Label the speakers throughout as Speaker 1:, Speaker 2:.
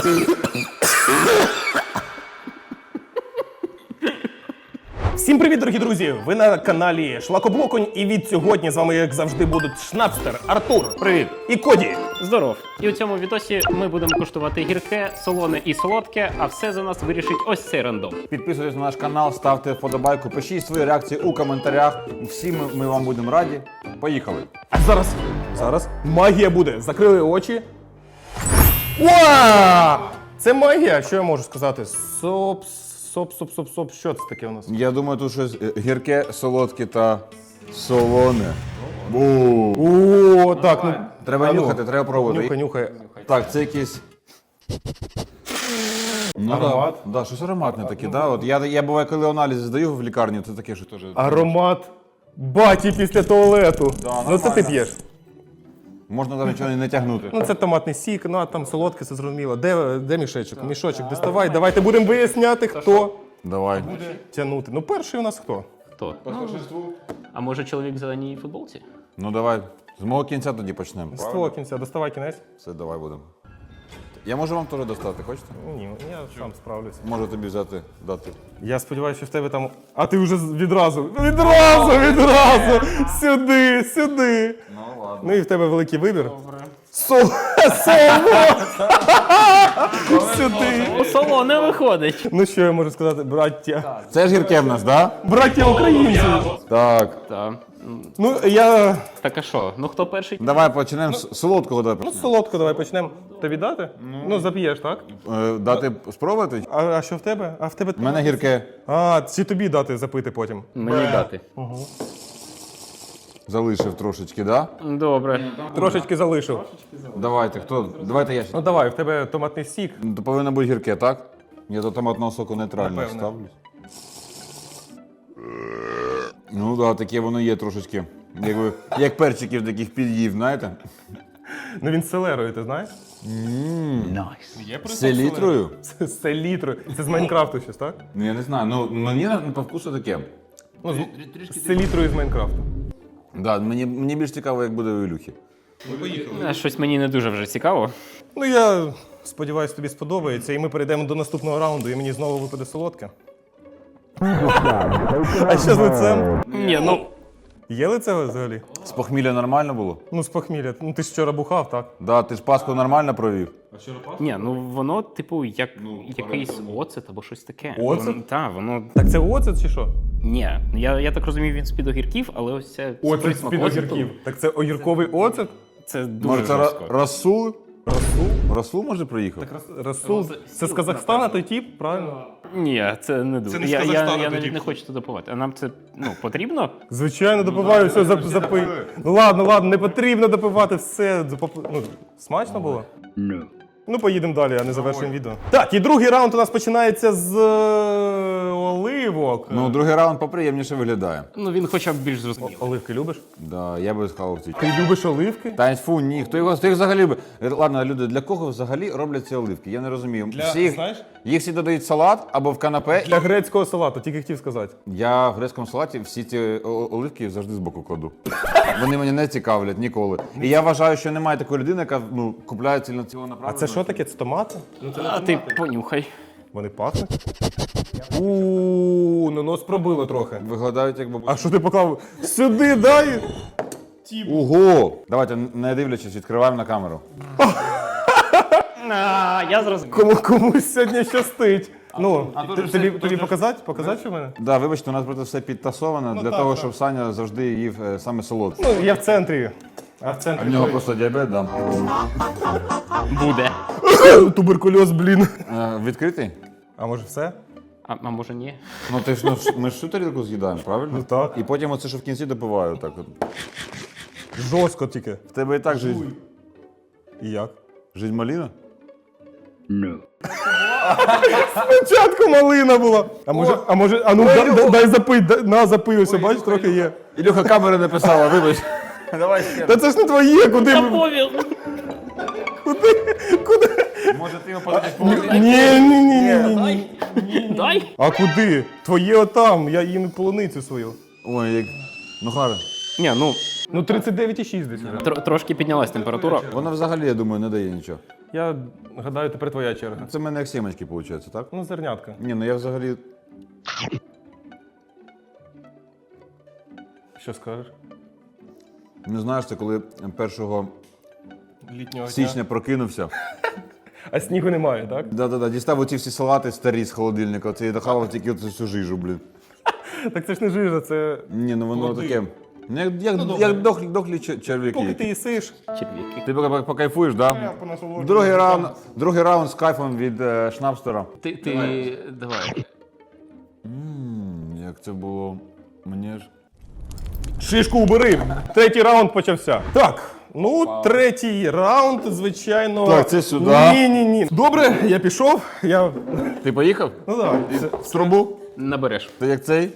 Speaker 1: Всім привіт, дорогі друзі! Ви на каналі Шлакоблоконь, і від сьогодні з вами, як завжди, будуть Шнапстер, Артур,
Speaker 2: Привіт!
Speaker 1: і Коді.
Speaker 2: Здоров! І у цьому відосі ми будемо куштувати гірке, солоне і солодке, а все за нас вирішить ось цей рандом.
Speaker 3: Підписуйтесь на наш канал, ставте вподобайку, пишіть свої реакції у коментарях. Всі ми вам будемо раді. Поїхали!
Speaker 1: А зараз магія буде. Закрили очі. Уа! Це магія, що я можу сказати? Соп. Що це таке у нас?
Speaker 3: Я думаю, тут щось гірке, солодке та солоне.
Speaker 1: О, так, ну.
Speaker 3: Треба нюхати, треба пробувати.
Speaker 1: Нюхай.
Speaker 3: Так, це якийсь...
Speaker 1: Аромат?
Speaker 3: Да, щось ароматне таке, да? От я буває, коли аналізи здаю в лікарні, це таке, що теж...
Speaker 1: Аромат баті після туалету.
Speaker 3: Да,
Speaker 1: Ну це ти
Speaker 3: нормально.
Speaker 1: п'єш.
Speaker 3: Можна навіть нічого не тягнути.
Speaker 1: Ну це томатний сік, ну а там солодке, це зрозуміло. Де мішечок? Мішочок доставай, давайте будемо виясняти, хто
Speaker 3: Давай.
Speaker 1: тягнути. Ну перший у нас хто?
Speaker 2: Хто? А може чоловік в зеленій футболці?
Speaker 3: Ну давай, з мого кінця тоді почнемо.
Speaker 1: З твого кінця, доставай кінець.
Speaker 3: Все, давай будемо. Я можу вам теж достати, хочете?
Speaker 1: Ні, я сам справлюся.
Speaker 3: Можу тобі взяти, дати.
Speaker 1: Я сподіваюся, що в тебе там. А ти вже відразу! Сюди!
Speaker 3: Ну ладно.
Speaker 1: Ну і в тебе великий вибір.
Speaker 2: Добре.
Speaker 1: Соло! Сюди!
Speaker 2: Солоне виходить!
Speaker 1: Ну що я можу сказати, браття?
Speaker 3: Це ж гірке в нас, да?
Speaker 1: Браття українці!
Speaker 3: Так.
Speaker 2: Так.
Speaker 1: Ну я.
Speaker 2: Так а що? Ну хто перший?
Speaker 3: Давай почнемо з солодкого. Давай
Speaker 1: Ну
Speaker 3: почнемо.
Speaker 1: солодко давай почнемо. Тобі дати? Ну зап'єш, так?
Speaker 3: Дати спробувати?
Speaker 1: А що в тебе? А в тебе.
Speaker 3: У мене гірке.
Speaker 1: А, чи тобі дати запити потім?
Speaker 2: Мені дати.
Speaker 3: Залишив трошечки, да?
Speaker 2: Добре.
Speaker 1: Трошечки залишив.
Speaker 3: Давайте, хто? Давайте я.
Speaker 1: Ну давай, в тебе томатний сік.
Speaker 3: То повинно бути гірке, так? Я до томатного соку нейтрально
Speaker 1: Напевне.
Speaker 3: ставлюсь. Ну так, таке воно є трошечки. Як перчиків таких під'їв, знаєте?
Speaker 1: Ну він з селерою, ти знаєш?
Speaker 3: З селітрою?
Speaker 1: З селітрою. Це з Майнкрафту щось, так?
Speaker 3: Ну я не знаю, ну мені по вкусу таке.
Speaker 1: Ну, з селітрою з Майнкрафту.
Speaker 3: Да, мені більш цікаво, як буде у Ілюхи.
Speaker 2: Щось мені не дуже вже цікаво.
Speaker 1: Ну я сподіваюся, тобі сподобається, і ми перейдемо до наступного раунду, і мені знову випаде солодке. А що з лицем?
Speaker 2: Ні, ну.
Speaker 1: Є лице взагалі?
Speaker 3: З похмілля нормально було?
Speaker 1: Ну, з похмілля. Ну ти ж вчора бухав, так?
Speaker 3: Да, ти ж Пасху нормально провів?
Speaker 2: Ні, ну воно, типу, як якийсь оцет або щось таке.
Speaker 1: Оцет?
Speaker 2: Так, воно.
Speaker 1: Так це оцет чи що?
Speaker 2: Ні, я так розумію, він з-під огірків, але ось це.
Speaker 1: Оцет
Speaker 2: присмак
Speaker 1: з-під
Speaker 2: оцету,
Speaker 1: огірків. Так це огірковий оцет?
Speaker 2: Це дуже
Speaker 3: Може, це
Speaker 2: жорстко.
Speaker 3: Расул?
Speaker 1: Расул?
Speaker 3: Расул може приїхав?
Speaker 1: Расул? Це з Казахстана той тип, правильно?
Speaker 2: Ні, це не дуже.
Speaker 1: не з
Speaker 2: Я
Speaker 1: Казахстану
Speaker 2: навіть
Speaker 1: тоді.
Speaker 2: не хочу туди допивати. А нам це потрібно?
Speaker 1: Звичайно, допиваю, все, запий. Ну ладно, не потрібно допивати, все. Ну, смачно було? Ну, поїдемо далі, а не завершуємо відео. Так, і другий раунд у нас починається з оливок.
Speaker 3: Ну, другий раунд поприємніше виглядає.
Speaker 2: Ну він хоча б більш зрозумілий.
Speaker 1: Оливки любиш?
Speaker 3: Да, я би схавав ці.
Speaker 1: Ти любиш оливки?
Speaker 3: Та фу, ні, хто їх взагалі любить? Ладно, люди, для кого взагалі роблять ці оливки? Я не розумію. Їх всі додають в салат або в канапе.
Speaker 1: Для грецького салату, тільки хотів сказати.
Speaker 3: Я в грецькому салаті всі ці оливки завжди збоку кладу. Вони мене не цікавлять ніколи. І я вважаю, що немає такої людини, яка купляє цілого
Speaker 1: А
Speaker 3: направлення.
Speaker 1: це що таке? Це томати?
Speaker 2: А ти понюхай.
Speaker 1: Вони пахнуть? Ну нос пробило трохи.
Speaker 3: Виглядають як бабуся.
Speaker 1: А що ти поклав? Сюди дай!
Speaker 3: Ого! Давайте, не дивлячись, відкриваємо на камеру.
Speaker 2: Я зрозумів.
Speaker 1: Комусь сьогодні щастить. Ну,
Speaker 3: тут
Speaker 1: тобі показати? Показати, що в мене?
Speaker 3: Да, вибачте, у нас просто все підтасовано для того, щоб Саня завжди їв саме солодке.
Speaker 1: Ну, я в центрі. А в
Speaker 3: У
Speaker 1: центрі.
Speaker 3: нього просто діабет, да.
Speaker 2: Буде.
Speaker 1: Туберкульоз, блін.
Speaker 3: Відкритий?
Speaker 1: А може все?
Speaker 2: А може ні?
Speaker 3: Ну ти ж ми ж всю тарілку з'їдаємо, правильно?
Speaker 1: Ну так.
Speaker 3: І потім оце, що в кінці допиваю, так от.
Speaker 1: Жорстко тільки.
Speaker 3: В тебе і так жизнь.
Speaker 1: І як?
Speaker 3: Жизнь маліна?
Speaker 1: Спочатку малина була. А ну дай запий, запий, ось, бачиш, трохи є.
Speaker 3: Ілюха камера написала, вибач. Давай ще.
Speaker 1: Та це ж не твоє, куди? Куди?
Speaker 3: Може ти його подадеш по
Speaker 1: Ні.
Speaker 2: Дай.
Speaker 1: А куди? Твоє отам, я їм полуницю свою.
Speaker 3: Ой, як... Ну, хара.
Speaker 2: Ні, ну
Speaker 1: Ну 39,6 десь. вже.
Speaker 2: Трошки піднялась температура.
Speaker 3: Вона взагалі, я думаю, не дає нічого.
Speaker 1: Я гадаю, тепер твоя черга.
Speaker 3: Це в мене як сімечки, виходить, так?
Speaker 1: Ну, зернятка.
Speaker 3: Ні, ну я взагалі...
Speaker 1: Що скажеш?
Speaker 3: Не знаєш, це коли 1
Speaker 1: Літнього
Speaker 3: січня прокинувся.
Speaker 1: А снігу немає, так?
Speaker 3: Да-да-да, дістав оці всі салати старі з холодильника, оце і дохавав тільки оцю всю жижу, блін.
Speaker 1: Так це ж не жижа, це.
Speaker 3: Ні, ну воно
Speaker 1: Води.
Speaker 3: таке. Ну, як дохлі черв'яки.
Speaker 1: Поки ти їсиш.
Speaker 2: Черв'яки.
Speaker 3: Ти поки покайфуєш, так? Да?
Speaker 1: понасолоджуюсь.
Speaker 3: Другий раунд з кайфом від Шнапстера.
Speaker 2: Ти давай.
Speaker 3: Як це було? Мені ж...
Speaker 1: Шишку убери. Третій раунд почався. Так. Ну, третій раунд, звичайно.
Speaker 3: Так, це сюди.
Speaker 1: Ні. Добре, я пішов.
Speaker 3: Ти поїхав?
Speaker 1: Ну давай.
Speaker 3: В трубу?
Speaker 2: Набереш.
Speaker 3: Ти як цей?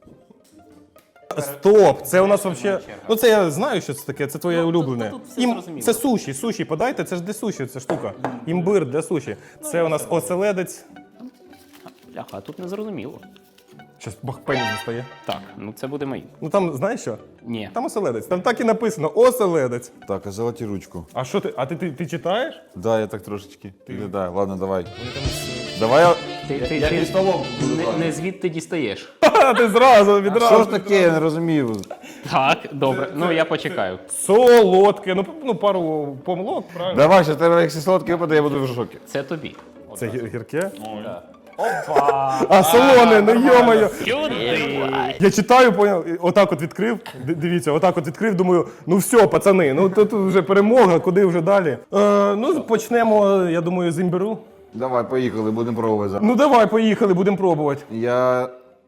Speaker 1: Стоп, це у нас взагалі. Ну це я знаю, що це таке, це твоє улюблене.
Speaker 2: тут все зрозуміло.
Speaker 1: Це суші подайте, це ж для суші, ця штука. Імбир для суші. Це у нас оселедець.
Speaker 2: Бляха, а тут не зрозуміло.
Speaker 1: Щас бахпені достає.
Speaker 2: Так, ну це буде мої.
Speaker 1: Ну там, знаєш що?
Speaker 2: Ні.
Speaker 1: Там оселедець. Там так і написано оселедець.
Speaker 3: Так, а золоті ручку.
Speaker 1: А що ти? А ти читаєш?
Speaker 3: Да, я так трошечки. Да, ладно, давай. Давай я...
Speaker 2: Ти не звідти дістаєш.
Speaker 1: Ха, ти зразу, відразу.
Speaker 3: Що ж таке, я не розумію.
Speaker 2: Так, добре. Ну я почекаю.
Speaker 1: Солодке. Ну, пару помилок, правильно?
Speaker 3: Давай, що тебе як солодкий випаде, я буду в шокі.
Speaker 2: Це тобі.
Speaker 1: Це гірке? А, солоне, ну йо-моє. Я читаю, поняв, отак от відкрив. Дивіться, отак от відкрив, думаю, ну все, пацани, ну тут вже перемога, куди вже далі. Ну, почнемо, я думаю, з імбиру.
Speaker 3: Давай, поїхали, будемо пробувати зараз.
Speaker 1: Ну давай, поїхали, будемо пробувати.
Speaker 3: Я...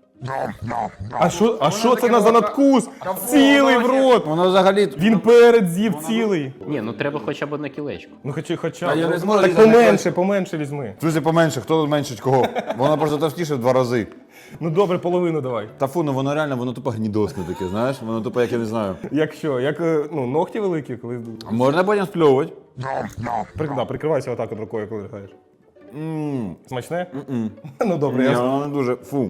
Speaker 1: А що це за надкус? Цілий в рот.
Speaker 3: Воно взагалі...
Speaker 1: Він перед з'їв цілий.
Speaker 2: Ні, ну треба хоча б одне кілечко.
Speaker 1: Ну хоча
Speaker 3: Та я
Speaker 1: б.
Speaker 3: не зможу
Speaker 1: Так
Speaker 3: їсти
Speaker 1: поменше візьми.
Speaker 3: Друзі, поменше, хто зменшить кого? Воно просто товстіше в 2 рази.
Speaker 1: Ну добре, половину давай.
Speaker 3: Та фу, ну воно реально, воно тупо гнідосне таке, знаєш? Воно тупо, як я не знаю.
Speaker 1: Як що? Як ну, ногті великі, коли.
Speaker 3: Можна потім спльовувати?
Speaker 1: Прикривайся отак от рукою, коли граєш. Смачне? Ну добре,
Speaker 3: Ні,
Speaker 1: я.
Speaker 3: воно не дуже, фу.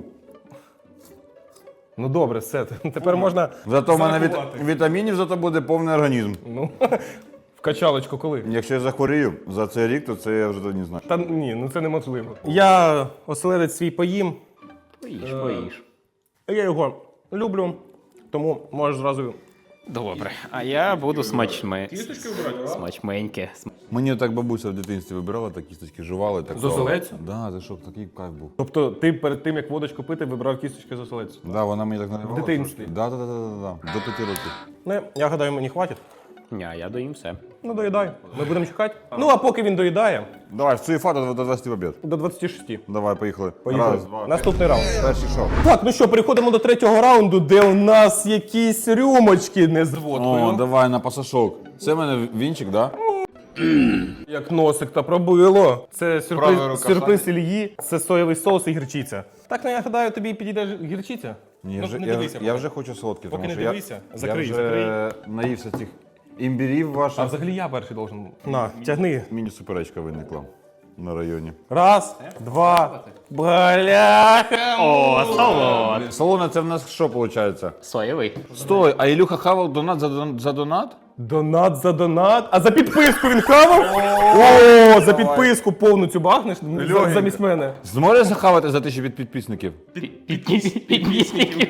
Speaker 1: Ну добре, все. Тепер можна.
Speaker 3: Зато в мене
Speaker 1: зарахувати.
Speaker 3: вітамінів зато буде повний організм.
Speaker 1: Ну, в качалочку коли?
Speaker 3: Якщо я захворію за цей рік, то це я вже не знаю.
Speaker 1: Та ні, ну це неможливо. Я оселедець свій поїм.
Speaker 2: Поїж.
Speaker 1: Я його люблю, тому можеш зразу.
Speaker 2: Добре. А я буду смачменьке.
Speaker 3: Мені так бабуся в дитинстві вибирала, так кісточки жували. Так
Speaker 1: З оселедця?
Speaker 3: Да, це що, такий кайф був.
Speaker 1: Тобто ти перед тим, як водочку пити, вибрав кісточки з оселедцю.
Speaker 3: Да, вона мені так наливала.
Speaker 1: В дитинстві?
Speaker 3: трошки. Да. До 5 років.
Speaker 1: Ну, я гадаю, мені хватить.
Speaker 2: Ня, я доїм все.
Speaker 1: Ну, доїдай. Ми будемо чекати. Ну, а поки він доїдає,
Speaker 3: Давай, в цуєфа до 20 в обід.
Speaker 1: до 26.
Speaker 3: Давай, поїхали.
Speaker 1: Поїхали.
Speaker 3: Раз, два.
Speaker 1: Наступний раунд.
Speaker 3: Перший шов.
Speaker 1: Так, ну що, переходимо до третього раунду, де у нас якісь рюмочки не з водкою.
Speaker 3: О, давай на пасашок. Це в мене вінчик, да?
Speaker 1: Як носик та пробило. Це
Speaker 3: Правая рука
Speaker 1: сюрприз Ільї, це соєвий соус і гірчиця. Так, ну я гадаю, тобі підійде гірчиця?
Speaker 3: Ні,
Speaker 1: Ну,
Speaker 3: вже,
Speaker 1: не
Speaker 3: я,
Speaker 1: дивися,
Speaker 3: я вже хочу солодкий,
Speaker 1: Поки
Speaker 3: тому
Speaker 1: не
Speaker 3: що
Speaker 1: дивися. Закрий,
Speaker 3: я вже наївся цих імбірів
Speaker 1: А
Speaker 3: ваших.
Speaker 1: взагалі я перший должен. На, тягни.
Speaker 3: Міні-суперечка виникла на районі.
Speaker 1: Раз, два, бляха.
Speaker 2: О, солод.
Speaker 3: Солоне, це в нас що виходить?
Speaker 2: Соєвий.
Speaker 3: Стой, а Ілюха хавав донат за донат?
Speaker 1: Донат за донат. А за підписку він хавав? О, за підписку повну цю бахнеш замість мене.
Speaker 3: Зможеш захавати за 1000 підписників?
Speaker 2: Підписників.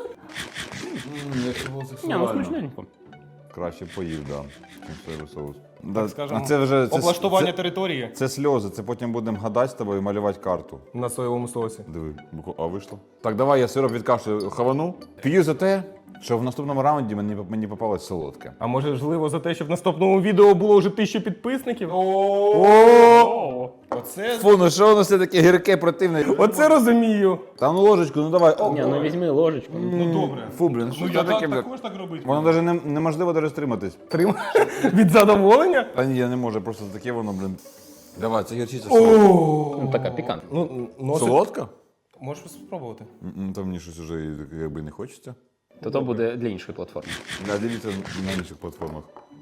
Speaker 2: Ні, ну смачненько.
Speaker 3: Краще поїв, да. чим соєвий соус. Да,
Speaker 1: Скажемо,
Speaker 3: а це вже
Speaker 1: облаштування території
Speaker 3: це сльози, це потім будемо гадати з тобою і малювати карту.
Speaker 1: на соєвому соусі.
Speaker 3: Диви, а вийшло. Так, давай я сироп від кашлю хавану. П'ю за те, що в наступному раунді мені попалось солодке.
Speaker 1: А може, можливо, за те, щоб в наступному відео було вже 1000 підписників? О! Оце
Speaker 3: Фу, ну що воно все таке гірке, противне?
Speaker 1: Оце розумію.
Speaker 3: Та ну ложечку, ну давай.
Speaker 2: Ні, ну візьми ложечку.
Speaker 1: Ну добре.
Speaker 3: Фу, блін, що це таке, блін?
Speaker 1: так робити.
Speaker 3: Воно навіть неможливо даже стриматись.
Speaker 1: Від задоволення?
Speaker 3: Та ні, я не можу, просто таке воно, блін. Давай, це гірчиця.
Speaker 2: Ну така пікантна.
Speaker 1: Ну, носик.
Speaker 3: Солодка?
Speaker 1: Можеш спробувати.
Speaker 3: Та мені щось вже якби не хочеться.
Speaker 2: То буде для іншої платформи.
Speaker 3: Да, дивіться на інших платформах.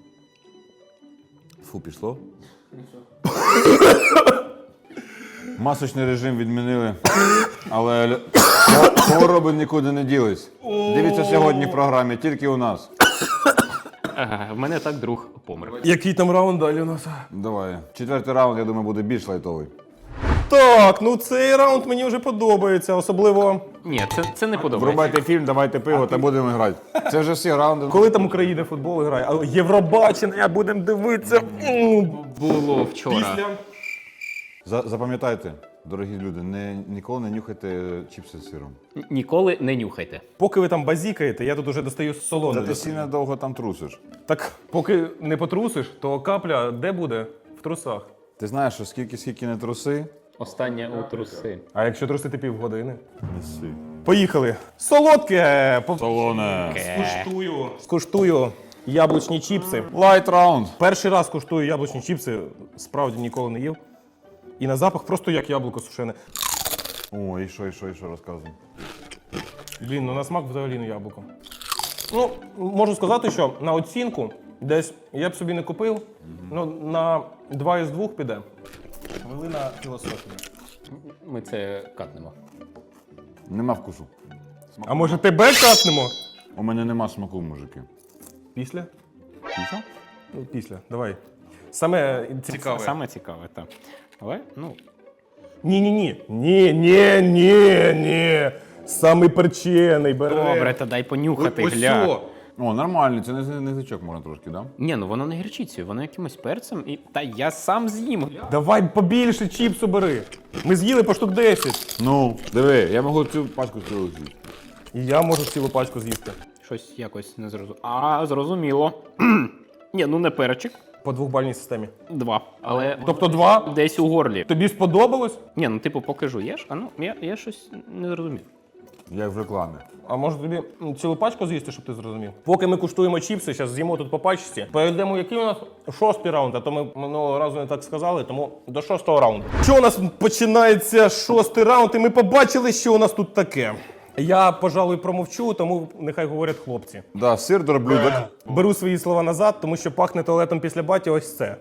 Speaker 3: Фу, пішло. Масочний режим відмінили, але хвороби нікуди не ділись. Дивіться сьогодні в програмі, тільки у нас.
Speaker 2: В мене так друг помер.
Speaker 1: Який там раунд далі у нас?
Speaker 3: Давай. 4-й раунд, я думаю, буде більш лайтовий.
Speaker 1: Так, ну цей раунд мені вже подобається, особливо
Speaker 2: Ні, це не подобається.
Speaker 3: Врубайте фільм, давайте пиво та будемо грати. Це вже всі раунди.
Speaker 1: коли там Україна футбол грає. А Євробачення будемо дивитися.
Speaker 2: Було вчора.
Speaker 1: Після.
Speaker 3: Запам'ятайте, дорогі люди, ніколи не нюхайте чіпси з сиром.
Speaker 2: Ніколи не нюхайте.
Speaker 1: Поки ви там базікаєте, я тут уже достаю солоне.
Speaker 3: Та ти сильно довго там трусиш.
Speaker 1: Так, поки не потрусиш, то капля де буде? В трусах.
Speaker 3: Ти знаєш, що скільки не труси,
Speaker 2: Останнє у труси.
Speaker 1: А якщо трусити півгодини?
Speaker 3: неси.
Speaker 1: Поїхали. Солодке!
Speaker 3: Солоне.
Speaker 1: Скуштую яблучні чіпси.
Speaker 3: Лайт раунд.
Speaker 1: Перший раз куштую яблучні чіпси, справді ніколи не їв. І на запах просто як яблуко сушене.
Speaker 3: О, і що розказуй.
Speaker 1: Блін, ну на смак взагалі не яблуко. Ну, можу сказати, що на оцінку десь я б собі не купив, ну на 2 із 2 піде. Хвилина філософії.
Speaker 2: Ми це катнемо.
Speaker 3: Нема вкусу.
Speaker 1: А може тебе катнемо?
Speaker 3: У мене нема смаку, мужики.
Speaker 1: Після?
Speaker 3: Після?
Speaker 1: Ну, після, давай. Саме цікаве.
Speaker 2: Саме цікаве, так. Але, ну,
Speaker 1: Ні. Ні. Самий перчений бере.
Speaker 2: добре, та дай понюхати,
Speaker 1: Ось
Speaker 2: гля.
Speaker 1: сьо.
Speaker 3: О, нормально, це не язичок можна трошки, да?
Speaker 2: Ні, ну воно не гірчицею, воно якимось перцем і. Та я сам з'їм.
Speaker 1: Давай побільше чіпсу бери. Ми з'їли по штук 10.
Speaker 3: Ну, диви, я можу цю пачку цілу з'їсти.
Speaker 1: І я можу цілу пачку з'їсти.
Speaker 2: Щось якось не зрозуміло. А, зрозуміло. Ні, ну не перчик.
Speaker 1: По 2-бальній системі.
Speaker 2: 2. Але
Speaker 1: Тобто 2?
Speaker 2: десь у горлі.
Speaker 1: Тобі сподобалось?
Speaker 2: Ні, ну типу, поки жуєш, а ну, я щось не зрозумів.
Speaker 3: Як в рекламі.
Speaker 1: А може тобі цілу пачку з'їсти, щоб ти зрозумів? Поки ми куштуємо чіпси, зараз з'їмо тут по пачці. Перейдемо, який у нас 6-й раунд, а то ми минулого разу не так сказали, тому до 6-го раунду. Що у нас починається 6-й раунд, і ми побачили, що у нас тут таке. Я, пожалуй, промовчу, тому нехай говорять хлопці.
Speaker 3: Да, сир дроблюдок.
Speaker 1: Беру свої слова назад, тому що пахне туалетом після баті ось це.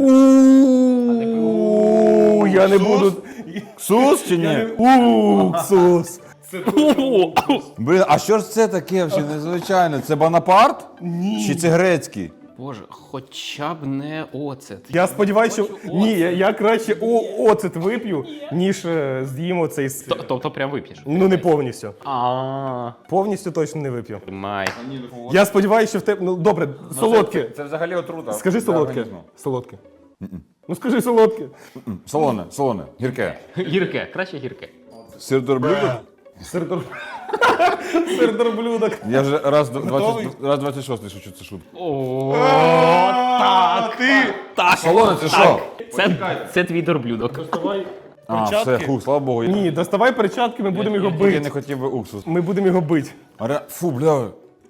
Speaker 1: Я не буду...
Speaker 3: Сус чи ні?
Speaker 1: Уксус.
Speaker 3: Блін, а що ж це таке взагалі незвичайне? Це Бонапарт? Ні. Чи це грецький?
Speaker 2: Боже, хоча б не оцет.
Speaker 1: Я сподіваюся, що ні, я краще оцет вип'ю, ніж з'їм оцей сир.
Speaker 2: Тобто прям вип'єш?
Speaker 1: Ну не повністю.
Speaker 2: А,
Speaker 1: Повністю точно не вип'ю.
Speaker 2: май.
Speaker 1: Я сподіваюся, що в тебе. Ну добре, солодке.
Speaker 3: Це взагалі отрута.
Speaker 1: Скажи солодке. Солодке. Ну скажи солодке.
Speaker 3: Солоне, гірке.
Speaker 2: Гірке, краще гірке.
Speaker 3: Сир дроблюдок?
Speaker 1: Сир дорблюдок.
Speaker 3: Я вже раз
Speaker 1: Готовий?
Speaker 3: 26 шучу цю шутку.
Speaker 2: О, так. Так.
Speaker 3: Солоне, це що?
Speaker 2: Це твій дорблюдок.
Speaker 3: А, все,
Speaker 1: Перчатки?
Speaker 3: слава Богу.
Speaker 1: Ні, доставай перчатки, ми будемо його
Speaker 3: Я не
Speaker 1: бити.
Speaker 3: хотів би уксус.
Speaker 1: Ми будемо його бити.
Speaker 3: Фу, бля.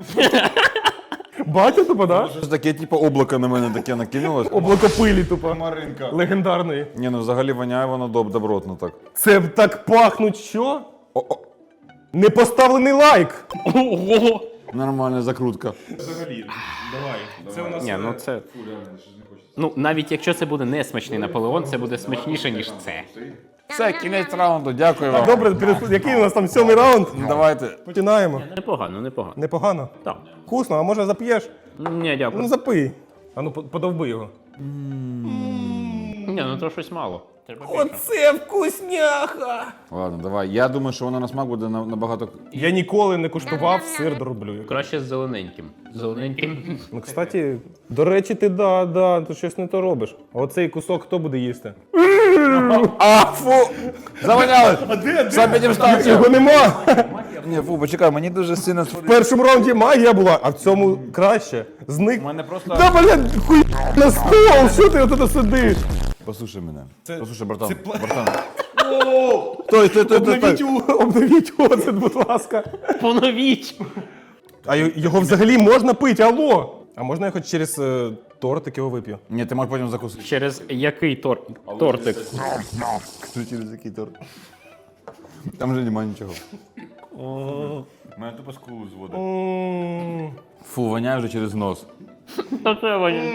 Speaker 1: Батя тупо, да?
Speaker 3: Щось таке, типу, облако на мене таке накинулось.
Speaker 1: Облако пилі тупо.
Speaker 3: Маринка.
Speaker 1: Легендарної.
Speaker 3: Ні, ну взагалі воняє воно добротно так.
Speaker 1: Це так пахнуть що?
Speaker 3: О-о.
Speaker 1: Не поставлений лайк.
Speaker 2: Ого.
Speaker 3: Нормальна закрутка.
Speaker 1: Взагалі, давай. Це у нас.
Speaker 2: Ні, ну це. Ну, навіть якщо це буде не смачний Наполеон, це буде смачніше, ніж це.
Speaker 3: Все, кінець раунду, дякую вам.
Speaker 1: Добре, який у нас там 7-й раунд?
Speaker 3: Давайте.
Speaker 1: Починаємо.
Speaker 2: Непогано, непогано.
Speaker 1: Непогано.
Speaker 2: Так.
Speaker 1: Вкусно, а може зап'єш?
Speaker 2: Ні, дякую.
Speaker 1: Ну запий. А ну подовби його.
Speaker 2: Ні, ну то щось мало. Треба більше.
Speaker 1: Оце вкусняха!
Speaker 3: Ладно, давай. Я думаю, що воно на смак буде набагато.
Speaker 1: Я ніколи не куштував сир дроблю.
Speaker 2: Краще з зелененьким. Зелененьким.
Speaker 1: Ну, кстати, до речі, ти ти щось не то робиш. А оцей кусок хто буде їсти?
Speaker 3: А, фу! Завоняли! Сам підім станцію.
Speaker 1: Його нема!
Speaker 3: Ні, фу, почекай, мені дуже сильно
Speaker 1: В першому раунді магія була, а в цьому краще. Зник.
Speaker 3: У мене просто.
Speaker 1: Та, блядь, хуй на стол! Що ти отут сидиш?
Speaker 3: Послухай мене. Послухай, братан. Братан. Стой.
Speaker 1: Обновіть оцет, будь ласка.
Speaker 2: Поновіть!
Speaker 1: А його взагалі можна пити, алло! А можна я хоч через тортик його вип'ю?
Speaker 3: Ні, ти можеш потім закусити.
Speaker 2: Через який тортик?
Speaker 3: Через який торт? Там вже немає нічого. Мене тупо скулу зводить. Фу, воняє вже через нос.
Speaker 2: Та це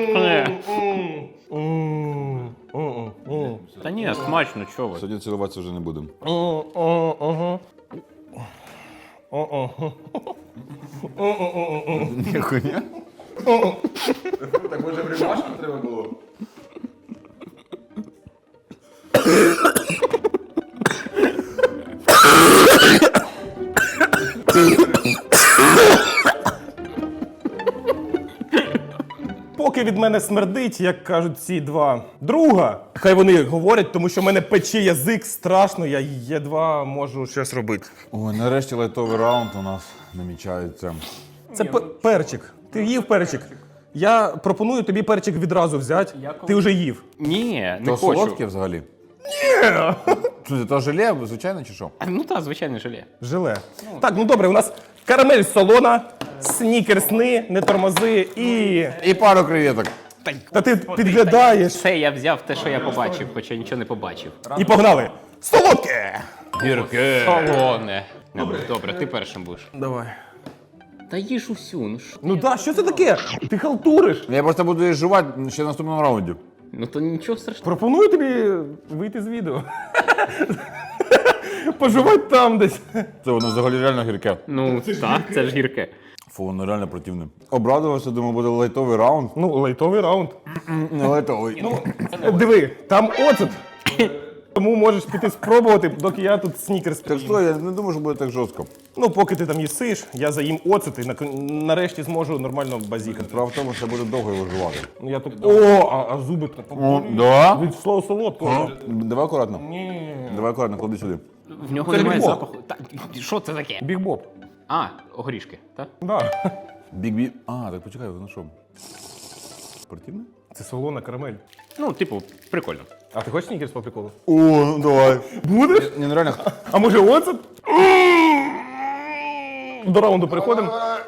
Speaker 2: Та ні, смачно, чого ви?
Speaker 3: Сьогодні цілуватися вже не будемо. Ніхуя. Так може в рюмашку треба було?
Speaker 1: Поки від мене смердить, як кажуть ці два друга, хай вони говорять, тому що в мене пече язик страшно, я єдва можу щось робити.
Speaker 3: Ой, нарешті лайтовий раунд у нас намічається.
Speaker 1: Це перчик. Ти їв перчик? Я пропоную тобі перчик відразу взяти. Ти вже їв.
Speaker 2: Ні, не
Speaker 3: То
Speaker 2: хочу.
Speaker 3: солодке взагалі? Ні! То желе, звичайно, чи що?
Speaker 2: Ну так, звичайно, желе.
Speaker 1: Желе. Так, ну добре, у нас карамель солона, снікерсни, не тормози і...
Speaker 3: І пару креветок.
Speaker 1: Та ти підглядаєш.
Speaker 2: Все, я взяв те, що я побачив, хоча нічого не побачив.
Speaker 1: І погнали. Солодке!
Speaker 2: Гірке. Солоне. Добре, ти першим будеш.
Speaker 1: Давай.
Speaker 2: Та їж усю, ну що?
Speaker 1: Ну так, що це таке? Ти халтуриш.
Speaker 3: Я просто буду її жувати ще в наступному раунді.
Speaker 2: Ну то нічого страшного.
Speaker 1: Пропоную тобі вийти з відео. Поживати там десь.
Speaker 3: Це воно взагалі реально гірке.
Speaker 2: Ну так, це ж гірке.
Speaker 3: Фу, воно реально противне. Обрадувався, думаю, буде лайтовий раунд.
Speaker 1: Ну, лайтовий раунд.
Speaker 3: Не лайтовий.
Speaker 1: Диви, там оцет. Тому можеш піти спробувати, доки я тут снікерс.
Speaker 3: Так що, я не думаю, що буде так жорстко.
Speaker 1: Ну, поки ти там їсиш, я заїм оцет і нарешті зможу нормально базікати.
Speaker 3: Справа в тому, що буде довго його жувати.
Speaker 1: Ну, я тут... О, а зуби
Speaker 3: О, да?
Speaker 1: від слова солодкого.
Speaker 3: Давай акуратно.
Speaker 1: Ні.
Speaker 3: Давай акуратно, клади сюди.
Speaker 2: В нього
Speaker 1: Це
Speaker 2: немає
Speaker 1: Бібоп.
Speaker 2: запаху. Та, що це таке?
Speaker 1: Біг Боб.
Speaker 2: А, горішки, так?
Speaker 1: Да.
Speaker 3: Бік-бік. А, так почекай, воно що? Спортивне?
Speaker 1: Це солона карамель.
Speaker 2: Ну, типу, прикольно.
Speaker 1: А ти хочеш снікерс по приколу?
Speaker 3: О, ну давай.
Speaker 1: Будеш?
Speaker 3: Ні, ну реально.
Speaker 1: А може оцет? До раунду переходимо.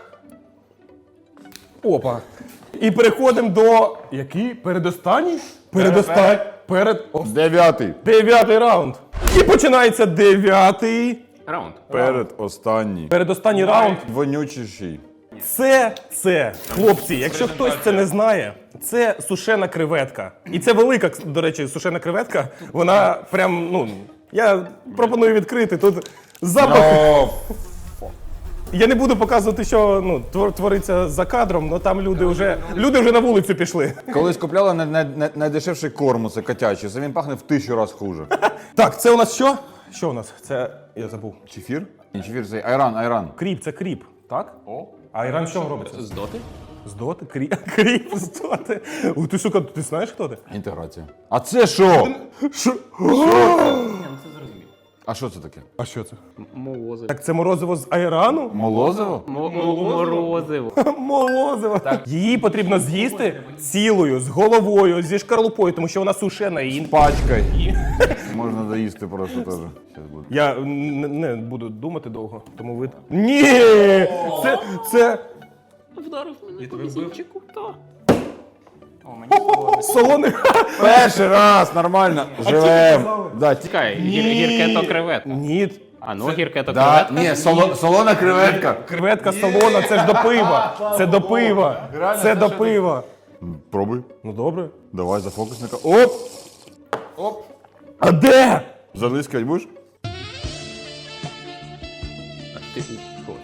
Speaker 1: Опа. І переходимо до... Який? Передостанній? Передостанній.
Speaker 3: Дев'ятий.
Speaker 1: 9-й раунд. І починається 9-й.
Speaker 2: Раунд.
Speaker 3: Передостанній.
Speaker 1: Передостанній раунд.
Speaker 3: Вонючіший.
Speaker 1: Це, хлопці, якщо хтось це не знає, це сушена креветка. І це велика, до речі, сушена креветка. Вона прям, ну, я пропоную відкрити. Тут запах.
Speaker 3: О,
Speaker 1: Я не буду показувати, що ну, твориться за кадром, але там люди вже на вулицю пішли.
Speaker 3: колись купляла найдешевший корм, це котячий. Це він пахне в 1000 разів хуже.
Speaker 1: Так, це у нас що? Що у нас? Це, я забув.
Speaker 3: Чефір? Ні, чефір це айран.
Speaker 1: Кріп, це кріп, так? О. А айран що робиться?
Speaker 2: З доти?
Speaker 1: З доти? Кріп з доти. Ух, ти, сука, ти знаєш, хто ти?
Speaker 3: Інтеграція. А це що?
Speaker 1: Що?
Speaker 2: Ні, ну це зрозуміло.
Speaker 3: А що це таке?
Speaker 1: А що це?
Speaker 2: Молозиво.
Speaker 1: Так це морозиво з айрану?
Speaker 3: Молозиво?
Speaker 2: Морозиво.
Speaker 1: Молозиво. Її потрібно з'їсти цілою, з головою, зі шкарлупою, тому що вона сушена і...
Speaker 3: Пачкай. Можна доїсти просто теж. Щас буде.
Speaker 1: Я не буду думати довго, тому ви... Ні! Це
Speaker 2: Вдарив мене по візінчику, так.
Speaker 1: солоний...
Speaker 3: Перший раз, нормально. Живем. Да,
Speaker 2: Чекай, гірке то креветка.
Speaker 1: Ні,
Speaker 2: А ну, гірке то
Speaker 3: да,
Speaker 2: креветка.
Speaker 3: ні, солона креветка.
Speaker 1: креветка солона, це ж до пива. Це до пива. Це до пива.
Speaker 3: Пробуй.
Speaker 1: Ну добре.
Speaker 3: Давай за фокусника. Оп! Оп!
Speaker 1: А де?
Speaker 3: Залискать будеш?
Speaker 2: Ти що?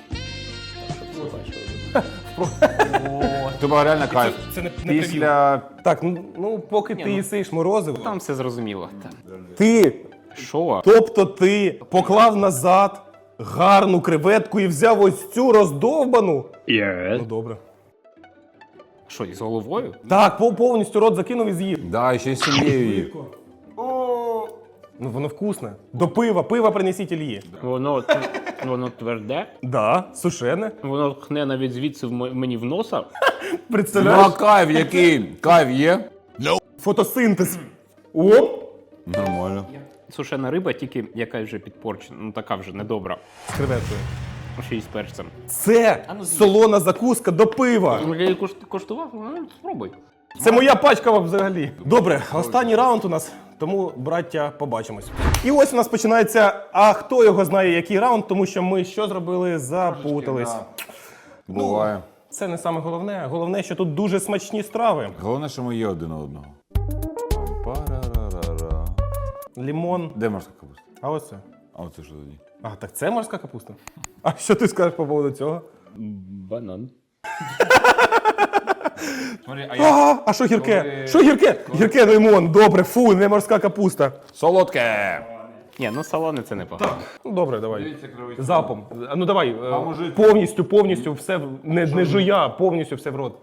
Speaker 3: Тобі реально кайф.
Speaker 1: Це не
Speaker 3: Після...
Speaker 1: Так, ну поки ти їсиш морозиво,
Speaker 2: Там все зрозуміло.
Speaker 1: ти,
Speaker 2: Що?
Speaker 1: тобто ти поклав назад гарну креветку і взяв ось цю роздовбану. Ну добре.
Speaker 2: Що, із головою?
Speaker 1: Так, повністю рот закинув і з'їв.
Speaker 3: Да, ще й з сім'єю її.
Speaker 1: Ну воно вкусне. До пива принесіть Ільї.
Speaker 2: Воно тверде.
Speaker 1: Да, сушене.
Speaker 2: Воно хне навіть звідси мені в носа.
Speaker 3: Ну
Speaker 1: Представляєш?
Speaker 3: а кайф який? Кайф є?
Speaker 1: Фотосинтез. Оп!
Speaker 3: Нормально.
Speaker 2: Сушена риба, тільки якась вже підпорчена, ну така вже недобра.
Speaker 1: З креветкою.
Speaker 2: Ще й з перцем.
Speaker 1: Це солона закуска до пива.
Speaker 2: Ну, я її коштував, ну спробуй.
Speaker 1: Це моя пачка взагалі. Добре, останній раунд у нас, тому, браття, побачимось. І ось у нас починається, а хто його знає, який раунд, тому що ми що зробили? Запутались.
Speaker 3: Буває.
Speaker 1: Це не саме головне. Головне, що тут дуже смачні страви.
Speaker 3: Головне, що ми є один одного. Пам-парарара.
Speaker 1: Лімон.
Speaker 3: Де морська капуста?
Speaker 1: А ось це.
Speaker 3: А оце що тоді?
Speaker 1: А, так це морська капуста? А що ти скажеш по поводу цього?
Speaker 2: Банан.
Speaker 3: Смотри, а я...
Speaker 1: А що гірке? Що гірке? Гірке лимон, добре, фу, не морська капуста.
Speaker 3: Солодке!
Speaker 2: Ні, ну солоне це непогано.
Speaker 1: Ну, добре, давай.
Speaker 3: Дивіться, кривий
Speaker 1: Запом. А ну давай,
Speaker 3: Поможіть.
Speaker 1: повністю все, не жуя, повністю все в рот.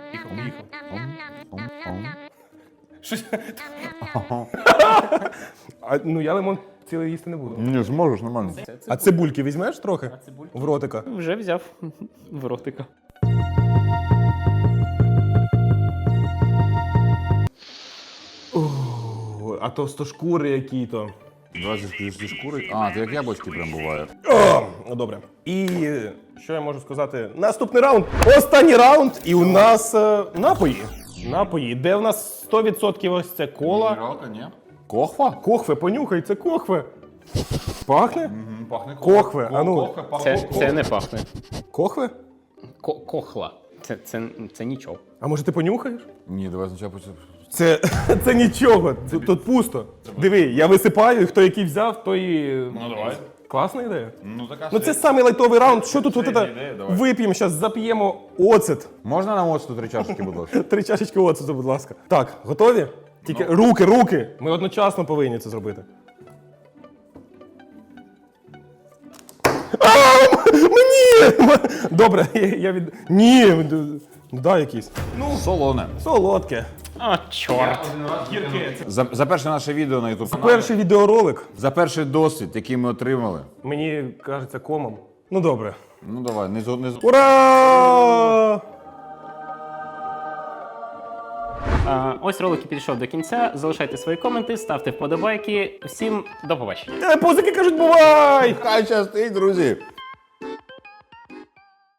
Speaker 1: Щось. Ну я лимон цілий їсти не буду.
Speaker 3: Ні, зможеш, нормально.
Speaker 1: А цибульки візьмеш трохи? В ротика.
Speaker 2: Вже взяв в ротика.
Speaker 1: А товстошкури які-то.
Speaker 3: 20 зі шкури. А, це як яблучки прям буває.
Speaker 1: Ну добре. І що я можу сказати? Наступний раунд. Останній раунд. І у нас напої. Напої. Де в нас 100% ось це кола.
Speaker 3: Мінералка, ні? Кохва?
Speaker 1: Кохве, понюхай, це кохве. Пахне?
Speaker 3: Пахне
Speaker 1: Кохве, а ну.
Speaker 2: Це не пахне.
Speaker 1: Кохве?
Speaker 2: Кохла. Це нічого.
Speaker 1: А може ти понюхаєш?
Speaker 3: Ні, давай спочатку.
Speaker 1: Це нічого, тут пусто. Диви, я висипаю, і хто який взяв, той.
Speaker 3: Ну давай.
Speaker 1: Класна ідея.
Speaker 3: Ну така
Speaker 1: Ну це самий лайтовий раунд. Що тут
Speaker 3: Середня
Speaker 1: от
Speaker 3: ідея,
Speaker 1: це?
Speaker 3: давай.
Speaker 1: Вип'ємо, зараз зап'ємо оцет.
Speaker 3: Можна нам оцту 3 чашечки, будь ласка?
Speaker 1: 3 чашечки оцету, будь ласка. Так, готові? Тільки руки. Ми одночасно повинні це зробити. Мені! Добре, я від. Ні, ну дай якийсь.
Speaker 3: Солоне.
Speaker 1: Солодке.
Speaker 2: А, чорт.
Speaker 3: За перше наше відео на YouTube.
Speaker 1: Перший відеоролик
Speaker 3: За перший досвід, який ми отримали.
Speaker 1: мені кажеться комом. Ну добре.
Speaker 3: Ну давай, не
Speaker 1: Ура!
Speaker 2: Ось ролик і підійшов до кінця. Залишайте свої коменти, ставте вподобайки. Всім до побачення.
Speaker 1: Пузики кажуть, бувай!
Speaker 3: Хай щастить, друзі!